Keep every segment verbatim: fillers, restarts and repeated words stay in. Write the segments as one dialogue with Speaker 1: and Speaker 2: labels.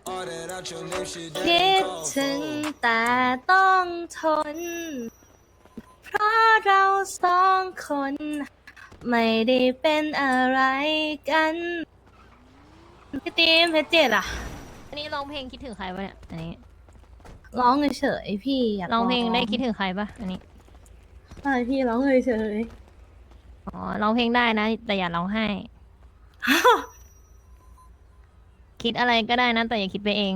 Speaker 1: คิดถึงแต่ต้องทนเพราะเราสองคนไม่ได้เป็นอะไรกันพี่ตีมเพชรเจ็ดอะ
Speaker 2: อันนี้ร้องเพลงคิดถึงใครปะเนี่ยอันนี้
Speaker 1: ร้องเฉยๆพี่อยาก
Speaker 2: ร้องเพลงได้คิดถึงใครปะอันนี้
Speaker 1: ใช่พี่ร้องเฉย
Speaker 2: อ๋อร้องเพลงได้นะแต่อย่าร้องไห้ คิดอะไรก็ได้นะแต่อย่าคิดไปเอง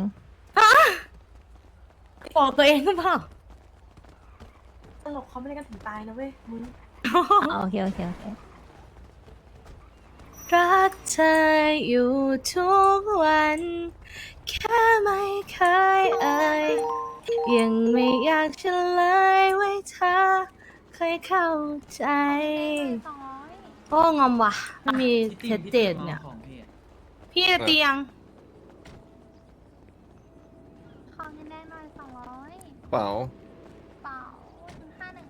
Speaker 1: ๆบอกตัวเองหรือเปล่า
Speaker 3: ตลกเขาไม่ได้กันถึงตายนะเว้ยมึง
Speaker 2: อ๋อโอเคโอเคโอเค
Speaker 1: รักเธออยู่ทุกวัน แค่ไม่เคยเอ่ยยังไม่อยากเฉลยไว้เธอเคยเข้าใจโอ้งอมว่ะไม่มีเพชรเจ็ดเนี่ย พี่เตียง
Speaker 2: ขอเงินแดงหน่อยสองร้อย
Speaker 4: เปล่า
Speaker 2: เปล่าห้าหนึ่ง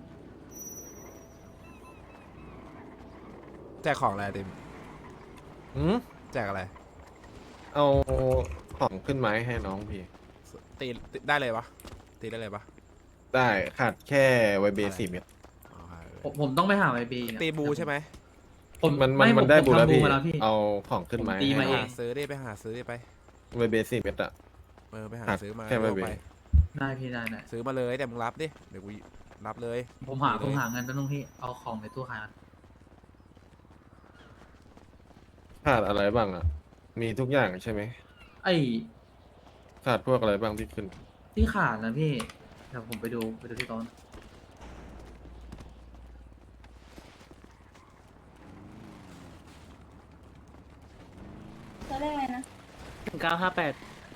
Speaker 5: แจกของอะไรติม
Speaker 4: อืม
Speaker 5: แจกอะไร
Speaker 4: เอาของขึ้นไม้ให้น้องพี่
Speaker 5: ตีตีได้เลยปะตีได้เลยปะ
Speaker 4: ได้ขาดแค่ไวเบสี่เม็ด
Speaker 5: อ๋อ
Speaker 6: ผมผมต้องไปหาไอบี
Speaker 5: ตีบูใช่ไหม
Speaker 6: ผม
Speaker 4: มันมัน
Speaker 6: ไ
Speaker 4: มันได้
Speaker 6: ผ
Speaker 4: บูแล้ว
Speaker 6: ทำ
Speaker 4: พี่
Speaker 6: มาแล้วพี่
Speaker 4: เอาของขึ้นไม้
Speaker 6: ผมตี
Speaker 4: ให้
Speaker 6: มาเอ
Speaker 5: หาง ซื้อดิไปหาซื้อดิไป
Speaker 4: ไวเบสี่เม็ดอะ
Speaker 5: เออไปหา
Speaker 4: หัก
Speaker 5: ซื้อมา
Speaker 4: แค่ไว้
Speaker 5: เอา
Speaker 4: เบ
Speaker 5: ไป
Speaker 6: ได้พี่ได้ได้
Speaker 5: ซื้อมาเลยแต่มึงรับดิเดี๋ยวกูรับเลย
Speaker 6: ผมหา
Speaker 5: ดีเลย
Speaker 6: ผมหาเงินแป๊บนึงพี่เอาของในตู้ขายก่อน
Speaker 4: ขาดอะไรบ้างอะมีทุกอย่างใช่ไหม
Speaker 6: ไอ้
Speaker 4: ขาดพวกอะไรบ้างที่ขึ้น
Speaker 6: ที่ขาดนะพี่เดี๋ยวผมไปดูไปดูที่โต๊ะ
Speaker 1: จะเรียกอะไรนะ
Speaker 7: หนึ่งเก้าห้าแปด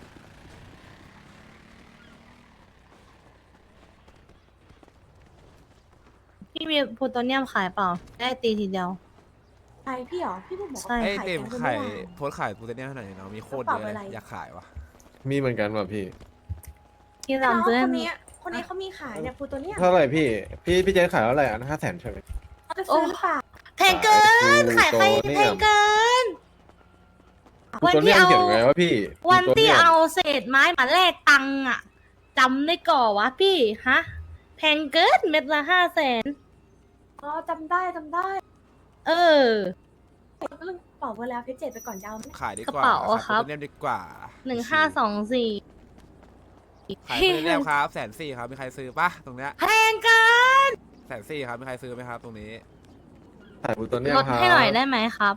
Speaker 1: พี่มีโพโตเนียมขายเปล่า ได้ตีทีเดียว
Speaker 3: ใช่พี่เหรอ พี่เพิ่งบอก
Speaker 1: ใช่
Speaker 3: ว่า
Speaker 5: ไอ้
Speaker 3: ขาย
Speaker 5: ติม
Speaker 3: แกง
Speaker 5: ไข่
Speaker 3: เมื่อวาน
Speaker 5: โพสต์ขายกูเต็มเนี่ยเท่าไหร่เนาะมีโคตร
Speaker 3: กระ
Speaker 5: เย
Speaker 3: เป๋า
Speaker 5: อะ
Speaker 3: อะไร
Speaker 5: อยากขายวะ
Speaker 4: มีเหมือนกันว่ะพี่
Speaker 1: พี่
Speaker 3: น้อง
Speaker 1: รำซื้อ
Speaker 3: คนนี้คนนี้เขามีขายเนี่ยพูตัวเนี้ย
Speaker 4: เท่าไหร่พี่ พี่พี่เจนขายเท่าไหร่อันห้าแสนใช่ไหม
Speaker 3: เขาจะซื้อหรือเปล่า
Speaker 1: แพงเกิน ขายใครแพงเกิน วัน
Speaker 4: ตัว
Speaker 1: ที่
Speaker 4: เนี้ย
Speaker 1: เอา
Speaker 4: เขียนไงว่าพี่
Speaker 1: วันที่
Speaker 4: ตัวนี่ย
Speaker 1: เอาเศษไม้มาแลกตังค์อะจำได้ก่อวะพี่ ฮะ แพงเกินเม็ดละห้าแสน
Speaker 3: อ๋อจำได้จำได้
Speaker 1: เออ
Speaker 3: เรื่องเป่าเวลาเพชรเจ็ดไปก่อนจะเอาไหม
Speaker 5: ขายดีก
Speaker 1: กระ
Speaker 5: ว่า
Speaker 1: เป๋า
Speaker 5: ขาย
Speaker 1: ครับ
Speaker 5: โพเทเนียมดีกว่า
Speaker 1: หนึ่งห้าสองสี่
Speaker 5: ขายโพเทเนียมครับแสนสี่ครับมีใครซื้อปะตรงเนี้ย
Speaker 1: แพงเกิน
Speaker 5: แสนสี่ครับมีใครซื้อไหมครับตรงนี้
Speaker 4: ขายบูตัวเนี้ย
Speaker 1: ลด
Speaker 4: ครับ
Speaker 1: ให้หน่อยได้ไหมครับ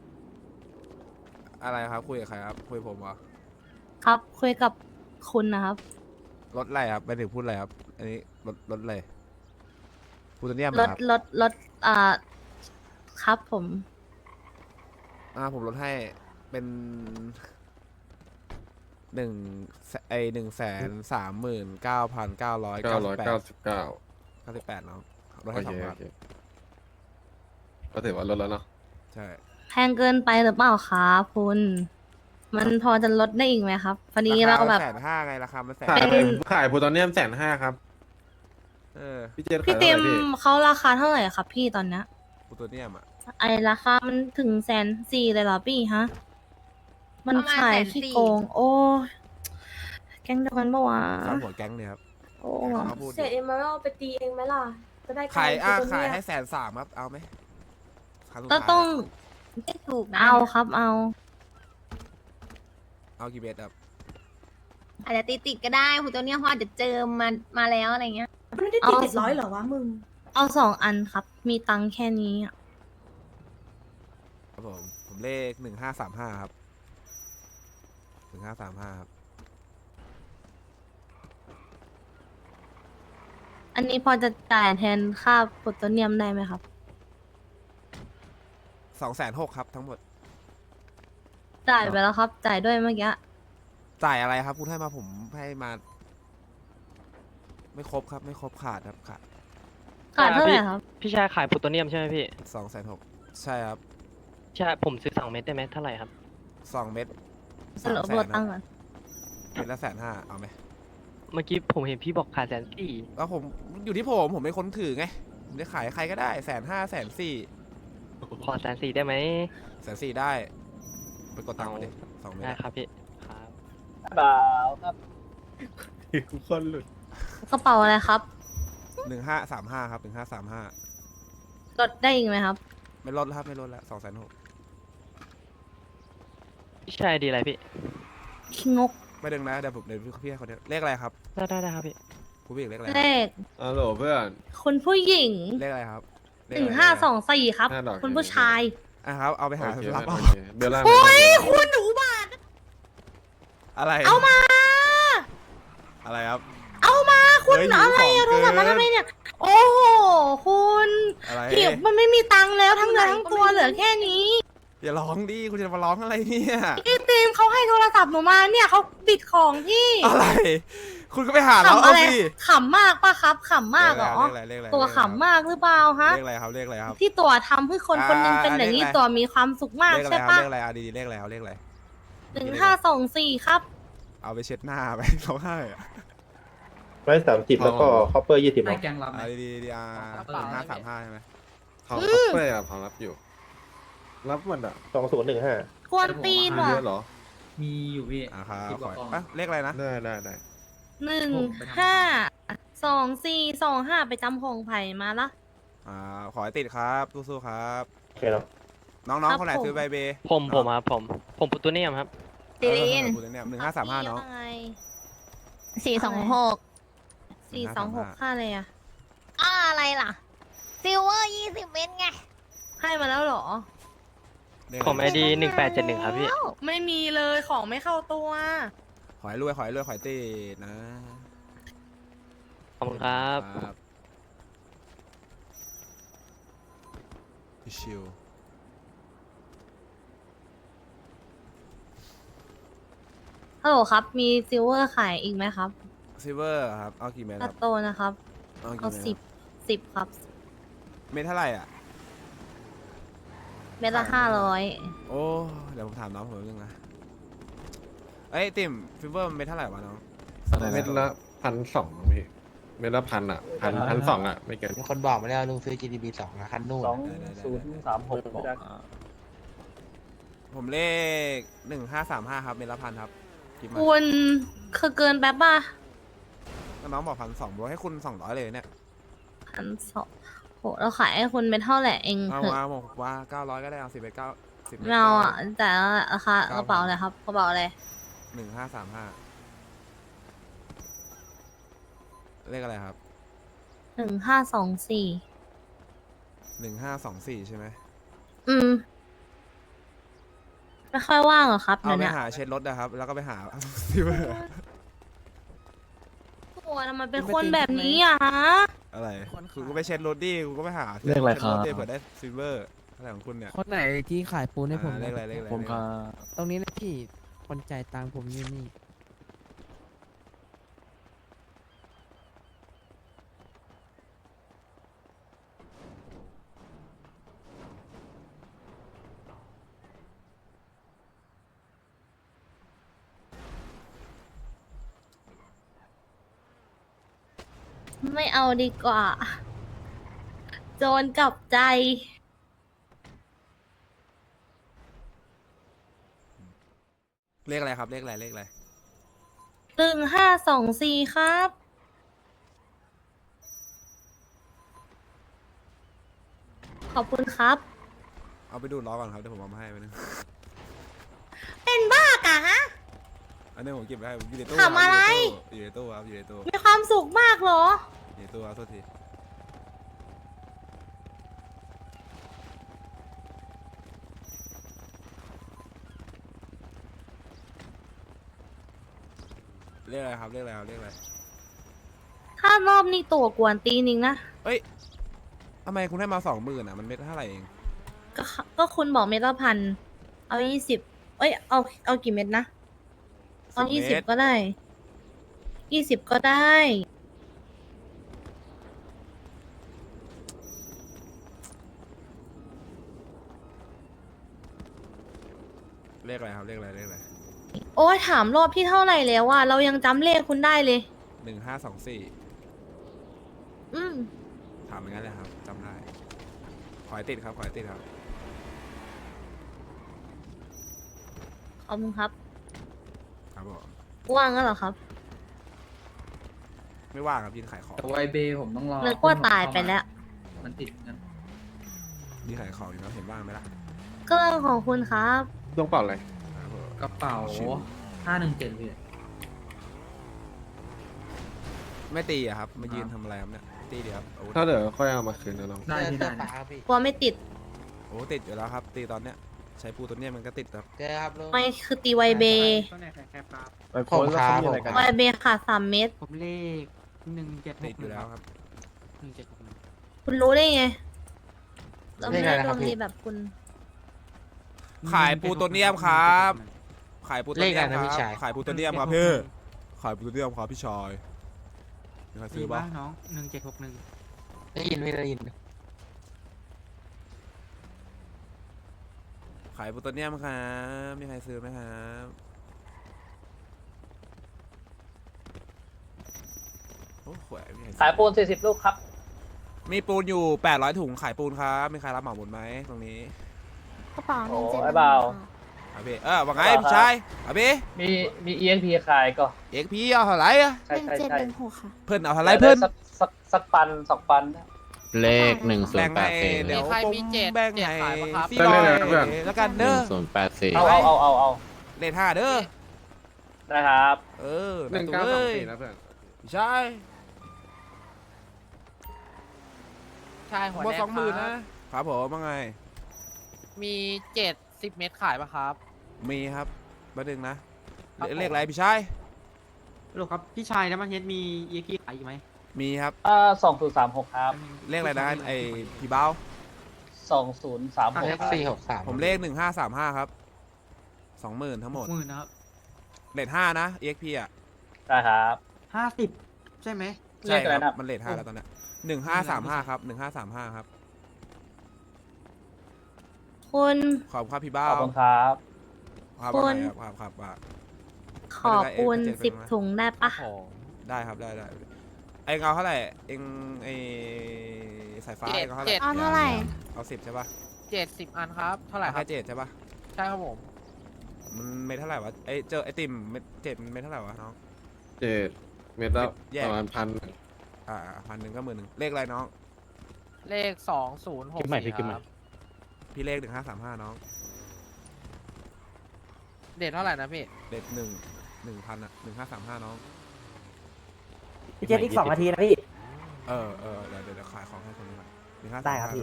Speaker 5: อะไรครับคุยกับใครครับคุยกับผมเหรอ
Speaker 1: ครับ คุยกับคุณนะครับ
Speaker 5: รถอะไรครับไปถึงพูดอะไรครับอันนี้รถรถอะไรพูเทเนียม
Speaker 1: ล
Speaker 5: เหรอ
Speaker 1: ด
Speaker 5: ครับ
Speaker 1: ลดลดอ่า ครับผม
Speaker 5: อ่าผมลดให้เป็นหนึ่งไอหนึ่งแสนสามหมื่นเก้าพันเก้าร้อย
Speaker 4: เก้า
Speaker 5: เก้า
Speaker 4: ร้
Speaker 5: สิ
Speaker 4: อย
Speaker 5: บแปด
Speaker 4: เก้าสิบเก้า
Speaker 5: เก้าสิบแปดเนาะลด
Speaker 4: โอ
Speaker 5: ให้
Speaker 4: เค
Speaker 5: สอง
Speaker 4: โอ
Speaker 5: พัน
Speaker 4: เคก็ถือว่าลดแล้วเนาะ
Speaker 5: ใช่
Speaker 1: แพงเกินไปหรือเปล่าครับคุณ มันพอจะลดได้อีกไหมครับพอดีเราแบบ
Speaker 5: แสนห้าไงราคามันแสน
Speaker 4: ขาย
Speaker 1: เป็น
Speaker 4: ขายบูตัวเนี้ยแสนห้าครับ
Speaker 5: เออ
Speaker 4: พี่เจน
Speaker 1: พี่
Speaker 4: ขาย
Speaker 1: เต็
Speaker 4: เท่าไห
Speaker 1: ม
Speaker 4: ร่พี่
Speaker 1: เขาราคาเท่าไหร่ครับพี่ตอนเนี้ย
Speaker 5: พูเทเนียมอ่ะ
Speaker 1: ไอราคามันถึงแสนสี่เลยเหรอพี่ฮะ มัน
Speaker 2: ประมาณ
Speaker 1: ขาย
Speaker 2: แสน
Speaker 1: ขี้
Speaker 2: สี่
Speaker 1: โกง โอ้ยแก๊งเดียวกันปะวะ
Speaker 5: ซ้ำหัวแก๊งเนี่ยครับ
Speaker 1: โอ้
Speaker 5: เอามาพูด
Speaker 3: เศษเอ็มมาเอาไปตีเองไหมล่ะ จะได้
Speaker 5: ขายอ่ะ
Speaker 3: ตัว
Speaker 5: ขาย
Speaker 3: เนี้ย
Speaker 5: ให้แสนสามครับเอาไหมครั้งสุด
Speaker 1: ก็
Speaker 5: ท้าย
Speaker 1: ต้อง
Speaker 2: ไม่ถูกนะ
Speaker 1: เอาครับเอา
Speaker 5: เอากี่เบสครับ
Speaker 2: อาจจะติดติดๆก็ได้คุณตัวเนี้ยเพราะอาจจะเจอมามาแล้วอะไรเงี้ย
Speaker 3: มันไม่ได้ตีเจ็ดร้อยเหรอวะมึง
Speaker 1: เอาสองอันครับ มีตังค์แค่นี้อะ
Speaker 5: ครับผมผมเลขหนึ่งห้าสามห้าครับหนึ่งห้าสามห้าครับ
Speaker 1: อันนี้พอจะจ่ายแทนค่าโพลโตเนียมได้ไหมครับ
Speaker 5: สองแสนหกครับทั้งหมด
Speaker 1: จ่ายไปแล้วครับ จ่ายด้วยเมื่อกี้
Speaker 5: จ่ายอะไรครับคุณให้มาผมให้มา ไม่ครบครับ ไม่ครบขาดครับขาด
Speaker 1: ขาดเท่าไหร่ครับ
Speaker 7: พี่ชายขายโพลูโตเนียมใช่ไหมพี่
Speaker 5: สองแสนหกใช่ครับ
Speaker 7: ใช่ผมซื้อสองเม็ดได้ไหมเท่าไหร่ครับ
Speaker 5: สองเม็ด
Speaker 1: สรุปโพลตังค์ก่อน
Speaker 5: เม็ดละแสนห้าเอาไหม
Speaker 7: เมื่อกี้ผมเห็นพี่บอกขายแสนสี่
Speaker 5: แล้วผมอยู่ที่ผมผมเป็นคนถือไงผมจะขายใครก็ได้แสนห้าแสนสี่
Speaker 7: ขอแสนสี่ได้ไหม
Speaker 5: แสนสี่ได้ ไปกดตังค์มาดิสองเม็ด
Speaker 7: ได้
Speaker 5: อะ
Speaker 7: ครับพี่ครับ
Speaker 1: ไป
Speaker 8: เปล่าครับ
Speaker 4: ทุกคนหลุด
Speaker 1: กระเป๋าอะไรครับ
Speaker 5: หนึ่งห้าสามห้าครับหนึ่งห้าสามห้า
Speaker 1: ลดได้อีกไหมครับ
Speaker 5: ไม่ลดแล้วครับไม่ลดแล้วสองแสนหก
Speaker 7: พี่ชายดีอะไรพี่
Speaker 1: ขี้งก
Speaker 5: ไม่ดึงนะเดี๋ยวผมเดี๋ยวพี่ให้คนเดียวเลขอะไรครับ
Speaker 7: ได้ได้ได้ครับพี่
Speaker 5: ผู้หญิงเลขอะไร
Speaker 1: เลข
Speaker 4: อ๋อโหลเพื่อน
Speaker 1: คุณผู้หญิง
Speaker 5: เลขอะไรครับเล
Speaker 1: ห
Speaker 5: ข
Speaker 1: นึ่ง
Speaker 5: อะไร
Speaker 1: ห้าสองสี่ครับ
Speaker 4: ห้าดอก
Speaker 1: คุณผู้ชาย
Speaker 5: อ่ะครับเอาไปหา
Speaker 4: โอเค
Speaker 5: รับ
Speaker 4: โอ
Speaker 5: เอา
Speaker 4: เคเบลล่า
Speaker 1: โอ้ย
Speaker 4: ไม่ต้อง
Speaker 1: คุณหนูบาท
Speaker 5: อะไร
Speaker 1: เอามา
Speaker 5: อะไรครับ
Speaker 1: เอามาคุณ
Speaker 5: เฮ้ย
Speaker 1: อะไร
Speaker 5: หิ
Speaker 1: อะ
Speaker 5: ว
Speaker 1: โท
Speaker 5: ข
Speaker 1: ร
Speaker 5: อง
Speaker 1: ศัพท์มา
Speaker 5: เกิน
Speaker 1: ทำไมเนี่ย โอ้โห คุณ
Speaker 5: อะไร
Speaker 1: หิวมันไม่มีตังค์แล้วทั้งเนื้อทั้งตัวเหลือแค่นี้
Speaker 5: อย่าร้องดิคุณจะมาร้องอะไรเนี่ย
Speaker 1: พี่ตีมเขาให้โทรศัพท์หนูมาเนี่ยเขาบิดของพี่
Speaker 5: อะไร คุณก็ไปหาเรา
Speaker 1: ขำ
Speaker 5: เอา
Speaker 1: อะไร
Speaker 5: สิ
Speaker 1: ขำมากปะครับขำมากเหรอ
Speaker 5: เลขอะไรเลขอะไร
Speaker 1: ตัวขำมากหรือเปล่าฮะ
Speaker 5: เลขอะไรครับเลขอะไรครับ
Speaker 1: ที่ตัวทำให้คนคนหนึงเป็นอย่างนี้ตัวมีความสุขมาก
Speaker 5: เลขอะไร
Speaker 1: ใช่
Speaker 5: ครับ
Speaker 1: ปะ
Speaker 5: เลขอะไรอ่ะดีๆเลขอะไรครับเลขอะไร
Speaker 1: หนึ่งห้าสองสี่ครับ
Speaker 5: เอาไปเช็ดหน้าไป ร้องไห้อะ
Speaker 8: ร้อยสามสิบแล้วก็คอปเปอร์ยี่สิบ
Speaker 6: ให้แกงรับไหม
Speaker 5: เอาดีๆดีอ่ะ
Speaker 6: เอา
Speaker 5: หนึ่งห้าสามห้าใช่ไหม
Speaker 4: เขาเขาเป้อะเขารับอยู่ รับมันอ่ะ
Speaker 8: สองศูนย์หนึ่งห้า
Speaker 1: กวนตีน
Speaker 4: มี
Speaker 1: ว่ะ
Speaker 4: เยอะเหรอ
Speaker 6: มีอยู่พี่
Speaker 5: อ่ะครับ
Speaker 6: สิบก
Speaker 5: ขอ
Speaker 6: ว่ากล่อง
Speaker 5: อ่ะเลขอะไรนะ
Speaker 4: ได้ได้ได้
Speaker 1: หนึ่งห้าสองสี่สองห้าไปจำพงไผ่มาละ
Speaker 5: อ่าขอให้ติดครับสู้ๆครับ
Speaker 8: โอเคเนาะ
Speaker 5: น้องๆคนไหนซื้อใบเบย์
Speaker 7: ผมผมครับผม ผมปุตตุเนียมครับ
Speaker 2: ซีรีน
Speaker 5: คุณเนี่ยหนึ่งห้าสามห้าเนาะ
Speaker 2: สี่สองหก
Speaker 1: สี่สองหกค่าเลยอะ
Speaker 2: อ้าอะไรล่ะ ซิลเวอร์ยี่สิบเม็ดไง
Speaker 1: ให้มาแล้วเหรอ
Speaker 7: ผมไอดีหนึ่งแปดเจ็ดหนึ่งครับพี่
Speaker 1: ไม่มีเลยของไม่เข้าตัว
Speaker 5: ขอให้รวยขอให้รวยขอให้ติดนะ
Speaker 7: ขอบคุณครับ
Speaker 5: ครับชิว
Speaker 1: ฮัลโหลครับ มีซิลเวอร์ขายอีกไหมครับ
Speaker 5: ซิเวอร์ครับเอากี่เม็ดค
Speaker 1: ตั
Speaker 5: รั
Speaker 1: ด
Speaker 5: บ
Speaker 1: โตนะครับ
Speaker 5: เอา
Speaker 1: เอา
Speaker 5: กี่เม็ด
Speaker 1: สิบสิบครับ
Speaker 5: เม็ดเท่าไหร่อ่ะ
Speaker 1: เม็ดละห้าร้อย
Speaker 5: โอ้เดี๋ยวผมถามน้องผมนิดนึงนะเอ้ยติ่มฟิเวอร์เม็ดเท่าไหร่วะน้อง
Speaker 4: เม็ดละพันสองพี่ เม็ดละพันอ่ะพันพันสองอ่ะ ไม่เกิน
Speaker 9: มีคนบอกมาแล้วลุงซื้อ จี ดี บี สองนะคันนู่น
Speaker 8: สองศูนย์สามหก
Speaker 5: ผมเลขหนึ่งห้าสามห้าครับเม็ดละพันครับกินมา
Speaker 1: คุณคือเกินแป๊บป่ะ
Speaker 5: น้องบอกพันสองบอกให้คุณสองร้อยเลยเนี่ย
Speaker 1: พันสองโหเราขายให้คุณเป็นเท่าไหร่เอง
Speaker 5: เอา
Speaker 1: เถอะ
Speaker 5: มาบอกว่าเก้าร้อยก็ได้เอาสิบเอ็ดเก้าสิบ
Speaker 1: ไม่เอาอ่ะแต่ราคากระเป๋าอะไรครับกระเป๋าอะไร
Speaker 5: หนึ่งห้าสามห้าเลขอะไรครับ
Speaker 1: หนึ่งห้าสองสี่
Speaker 5: หนึ่งห้าสองสี่ใช่ไหม
Speaker 1: อืม ไม่ค่อยว่างเหรอครับ
Speaker 5: เอา
Speaker 1: เดี๋ยว
Speaker 5: ไป
Speaker 1: เนี้ย
Speaker 5: หาเช็ดรถนะครับ แล้วก็ไปหา ซิเวอร์
Speaker 1: ตัวทำไมเป็นคนแบบนี้อ่ะฮะ
Speaker 5: อะไรคุณก็ไปเช็ดรถดิคุณก็ไปหา
Speaker 9: เลขอะไรครับ
Speaker 5: ช็ดถดิเผื่อได้ซิเวอร์อะไรของคุณเนี่ย
Speaker 9: คนไหนที่ขายปูนให้ผม
Speaker 5: อ่าเลขอะไรเลขอะไร
Speaker 9: ผม
Speaker 5: เลขอะไร
Speaker 9: ตรงนี้นะพี่ คนจ่ายตังค์ผมอยู่นี่
Speaker 1: ไม่เอาดีกว่า โจรกลับใจ
Speaker 5: เลขอะไรครับเลขอะไรเลขอะไร
Speaker 1: หนึ่งห้าสองสี่ครับ ขอบคุณครับ
Speaker 5: เอาไปดูดล้อก่อนครับเดี๋ยวผมเอามาให้ไปนึง
Speaker 1: เป็นบ้ากะฮะ
Speaker 5: อันนี้ผมเก็บไว้ให้ผมอยู่ในตู้
Speaker 1: ทำอะไร
Speaker 5: อยู่ในตู้ครับอยู่ในตู้
Speaker 1: มีความสุขมากเหรอ
Speaker 5: อยู่ในตู้ครับโทษทีเลขอะไรครับเลขอะไรครับเลขอะไร
Speaker 1: ถ้ารอบนี้ตัวกวนตีนิงนะ
Speaker 5: เอ้ยทำไมคุณให้มาสองหมื่นอ่ะมันเม็ดเท่าไหร่เอง
Speaker 1: ก็ก็คุณบอกเม็ดละพัน เอายี่สิบเอ้ย เอา เอากี่เม็ดนะ เอายี่สิบก็ได้ ยี่สิบก็ได้
Speaker 5: เลขอะไรครับเลขอะไรเลขอะไร
Speaker 1: โอ้ยถามรอบที่เท่าไหร่แล้วอะเรายังจำเลขคุณได้เลย
Speaker 5: หนึ่งห้าสองสี่
Speaker 1: อืม
Speaker 5: ถามอย่างนั้นเลยครับจำได้ขอให้ติดครับขอให้ติดครับ
Speaker 1: ขอบคุณครับ
Speaker 5: ครับผม
Speaker 1: ว่างแล้วเหรอครับ
Speaker 5: ไม่ว่างครับยืนขายของ
Speaker 6: แต่ไวเบย์ผมต้องรอ
Speaker 1: นึกว่าตายไปแล้ว
Speaker 6: มันติดกัน
Speaker 5: ยืนขายของอยู่นะเห็นว่างไหมล่ะ
Speaker 1: ก็เรื่องของคุณครับ
Speaker 4: ต้องเปล่าอะไร
Speaker 5: ครับผม
Speaker 6: กระเป๋า
Speaker 5: ชิว
Speaker 6: ห้าหนึ่งเจ็ดพี่
Speaker 5: ไม่ตีอะครับมายืนทำอะไรครับเนี่ยตีเดียวครับอาวุธ
Speaker 4: ถ้าเดี๋ยวค่อยเอามาคืนนะน้อง
Speaker 6: ได้พี่ได้
Speaker 9: เสื้อฟ้าครับพี่
Speaker 1: กลัวไม่ติด
Speaker 5: โอ้ติดอยู่แล้วครับ ตีตอนเนี้ยใช้ปูตัวเนี้ยมันก็ติดครับ
Speaker 9: เจอครับลุง
Speaker 1: ไม่คือตีไวเบย์
Speaker 8: ไปโพสต์แล้วเขามีอะไรกัน
Speaker 1: ไวเบย์ขาดสามเม็ด
Speaker 9: ผมเลขหนึ่งเจ็ดห
Speaker 5: ติด
Speaker 9: ก
Speaker 5: อยู่แล้วครับ
Speaker 9: หนึ่งเจ็ดหกหนึ่ง
Speaker 1: คุณรู้ได้ไงเรา
Speaker 9: เล
Speaker 1: ไม่
Speaker 9: ข
Speaker 1: ได้
Speaker 9: อะไร
Speaker 1: ด
Speaker 9: นะครั
Speaker 1: ว
Speaker 9: บ
Speaker 1: ง
Speaker 9: พี่
Speaker 1: ดีแบบคุณ
Speaker 5: ขายปูตัวเนียมครับ ขายปูตัว
Speaker 9: เลข
Speaker 5: เนี
Speaker 9: อะ
Speaker 5: ย
Speaker 9: ไร
Speaker 5: ม
Speaker 9: นะ
Speaker 5: ค
Speaker 9: พี่
Speaker 5: รับ
Speaker 9: ชาย
Speaker 5: ขายปูตัวเนียมครับพี่ขายปูตัวเนียมครับพี่ชายมีใครซื้อปะ
Speaker 9: น้องหนึ่งเจ็ดหกหนึ่งได้ยินไม่ได้ยิน
Speaker 5: ขายปูตัวเนียมครับมีใครซื้อไหมครับโอ้โหมีใครซื้อ
Speaker 8: ขายปูนสี่สิบลูกครับ
Speaker 5: มีปูนอยู่แปดร้อยถุงขายปูนครับมีใครรับเหมาหมดไหมตรงนี้
Speaker 1: กระเป๋าห
Speaker 8: โอ้
Speaker 1: นึ่งเจ็ด
Speaker 8: ไอ้เบา
Speaker 5: อาพี่เออว่าไงพี่ชายอาพี่
Speaker 8: มีมี อี เอ็น พี ขายก็
Speaker 5: เอ็กพี่เอาเท่าไหร่อะ
Speaker 8: ใช่ใช่ใช่
Speaker 5: เพิ่นเอาเท่าไหร่เพิ่น
Speaker 8: สักสักสักปันสองปันนะ
Speaker 10: เลขหนึ่งศูน
Speaker 5: แบ่ง
Speaker 10: ย์แป
Speaker 5: ให้
Speaker 10: ดสี่
Speaker 5: เดี๋ยว
Speaker 7: ใคร
Speaker 5: ผม
Speaker 7: มีเจ็ด
Speaker 5: แบ่ง
Speaker 7: เจ็ด
Speaker 5: ให้
Speaker 7: ขายปะครับ
Speaker 5: พี่ลอยแล้วกัน
Speaker 10: ห
Speaker 5: เด้
Speaker 10: นึ่
Speaker 5: อง
Speaker 10: ศูนย์แปดสี่
Speaker 8: เอาเอาเอาเอาเอา
Speaker 5: เลทห้าเด้อ
Speaker 8: นะครับ
Speaker 5: เออ
Speaker 4: หนึ่งเก้าสองสี่นะเพื่อน
Speaker 5: ใช่
Speaker 7: ใช่หัว
Speaker 5: หมด
Speaker 7: แดง
Speaker 5: สองหมื่น
Speaker 7: ครั
Speaker 5: นะ
Speaker 7: บ
Speaker 5: ครับผมว่าไง
Speaker 7: มีเจ็ดสิบเม็ดขายปะครับ
Speaker 5: มีครับมาดึงนะ
Speaker 7: ครับผม
Speaker 5: เลขอะไรพี่ชาย
Speaker 9: ลูกครับพี่ชายนะมันเฮ็ดมีเยกี้ขายอีกไหม
Speaker 5: มีครับ
Speaker 8: อ่าสองศูนย์สามหกครับ
Speaker 5: เลขอะไรนะไอพี่เบ้า
Speaker 8: สองศูนย์สามหก
Speaker 9: เลขสี่หกสาม
Speaker 5: ผมเลขหนึ่งห้าสามห้าครับสองหมื่นทั้งหมด
Speaker 9: หมื่นนะครับ
Speaker 5: เลทห้านะ เอ็กพีอ่ะ
Speaker 8: ได้ครับ
Speaker 9: ห้าสิบใช่ไหม
Speaker 5: ใช่
Speaker 8: เลขอะไร
Speaker 5: ครับ
Speaker 8: นะ
Speaker 5: มันเลทห้าแล้วตอนเนี้ยหนึ่งห้าสามห้าครับหนึ่งห้าสามห้าครับ
Speaker 1: คุณ
Speaker 5: ขอบคุณครับพี่
Speaker 8: ข
Speaker 5: เบ้า
Speaker 8: อบคุณครับ
Speaker 5: ครับ
Speaker 1: คุณ
Speaker 5: ครับครับครับว่า
Speaker 1: ขอปูน
Speaker 5: ไม่ได้
Speaker 1: สิบ
Speaker 5: เอ็กซ์
Speaker 1: ถุงได้ปะ
Speaker 5: ได้ครับได้ได้ไอเงาเท่าไหร่เองไอสายฟ้า
Speaker 7: เจ็
Speaker 5: เอ
Speaker 7: ด
Speaker 5: งเท่าไห
Speaker 7: เจ็
Speaker 5: ร่
Speaker 7: ด
Speaker 1: เอาเท่าไหร่
Speaker 5: เอาสิบใช่ปะ
Speaker 7: เจ็ดสิบอันครับ เท่าไหร่
Speaker 5: เอา
Speaker 7: ครั
Speaker 5: แค่
Speaker 7: บ
Speaker 5: เจ็ดใช่ปะ
Speaker 7: ใช่ครับผม
Speaker 5: มันเม็ดเท่าไหร่วะไอเจอไอติมเม็ดเจ็ดมันเม็ดเท่าไหร่วะน้อง
Speaker 4: เจ็ดเมตรละ
Speaker 5: แยก
Speaker 4: ประมาณพัน
Speaker 5: อ่าพันหนึ่งก็หมื่นหนึ่งเลขอะไรน้อง
Speaker 7: เลขสองศูนย์หก
Speaker 10: คิดใหม่
Speaker 7: สี่
Speaker 10: พี่คิดให
Speaker 7: ค
Speaker 10: ม่
Speaker 7: รับ
Speaker 5: พี่เลขหนึ่งห้าสามห้าน้อง
Speaker 7: เด็ดเท่าไหร่นะพี่
Speaker 5: เลขหนึ่งหนึ่งพันอะหนึ่งห้าสามห้าน้อง
Speaker 10: พี่เจอีกสองนาทีนะพี่
Speaker 5: เออเออเดี๋ยวเดี๋ยวเดี๋ยวขายของให้คนนี้ก่อนหนึ่งห้า
Speaker 10: ได้ครับพี่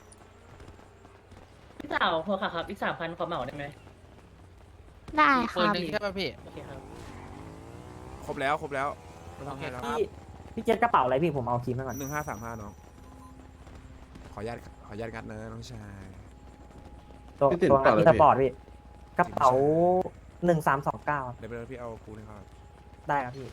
Speaker 11: พี่สาวพอค่ะครับ อีกสามพันขอเหมาได้ไหม
Speaker 1: ได้ค
Speaker 7: ปืน
Speaker 1: รับ
Speaker 7: หนึ่งใช่ป่ะพี่
Speaker 11: โอเคครับ
Speaker 5: ครบแล้วครบแล้วไม่ต้องให้แล้ว
Speaker 10: พี่พี่เจกระเป๋าอะไรพี่ผมเอาคีมไว้ก่อน
Speaker 5: หนึ่งห้าสามห้าน้องขออนุญาตขออนุญาตงัดนะน้องชาย
Speaker 10: ตัว
Speaker 4: พี่ติด
Speaker 10: ตัว
Speaker 4: เปล่า
Speaker 10: งาน
Speaker 4: เลย
Speaker 10: ที่ส
Speaker 4: พี่
Speaker 10: ปอร์ตพี่กระเป๋าหนึ่งสามสองเก้า
Speaker 5: เดี๋ยวไปเลยพี่เอาปูนให้เขา
Speaker 10: ได้ครับพี่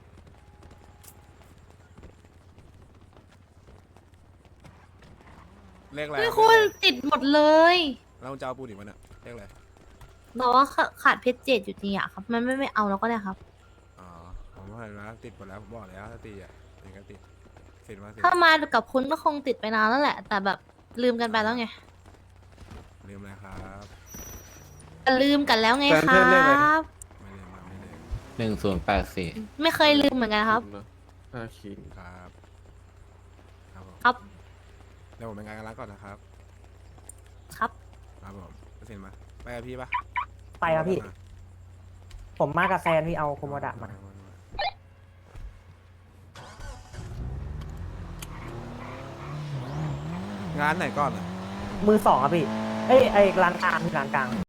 Speaker 5: เลขอะไร
Speaker 1: เฮ้ยคุณติดหมดเลย
Speaker 5: แล้วมึงจะเอาปูนอีกวันเนี่ยเลขอะไร
Speaker 1: บอกว่าขาขาดเพชรเจ็ดอยู่จริงอะครับ มันไม่ไม่เอาแล้วก็ได้ครับ
Speaker 5: อ๋อผมว่าเห็นแล้วติดหมดแล้วผมบอกแล้วถ้าตีอ่ะตีก็ติดสินมาสิ
Speaker 1: ถ้ามากับคุณก็คงติดไปนานแล้วแหละ แต่แบบลืมกันไปแล้วไง
Speaker 5: ลืมอะไรครับ
Speaker 1: ลืมกันแล้วไง
Speaker 4: แฟน
Speaker 1: ค
Speaker 4: เพื่
Speaker 1: รั
Speaker 4: อนเรียกอะไร
Speaker 1: บ
Speaker 5: ไม่ลืมมาไม่ลืม
Speaker 10: หนึ่งศูนย์แปดสี่
Speaker 1: ไม่เคยลืมเหมือนกันครับ
Speaker 4: ห้าขีด
Speaker 5: ครับครับผม
Speaker 1: ครับ
Speaker 5: เดี๋ยวผมไปงานกันแล้วก่อนนะครับ
Speaker 1: ครับ
Speaker 5: ครับผมสินมาไปกับพี่ปะ
Speaker 10: ไปครับพี่ ผมมากับแซนพี่เอาโคโมดะมา
Speaker 5: งานไหนก่อนอ่ะ
Speaker 10: มือสองครับพี่ เอ้ยไอ้ร้านกลางพี่ร้านกลาง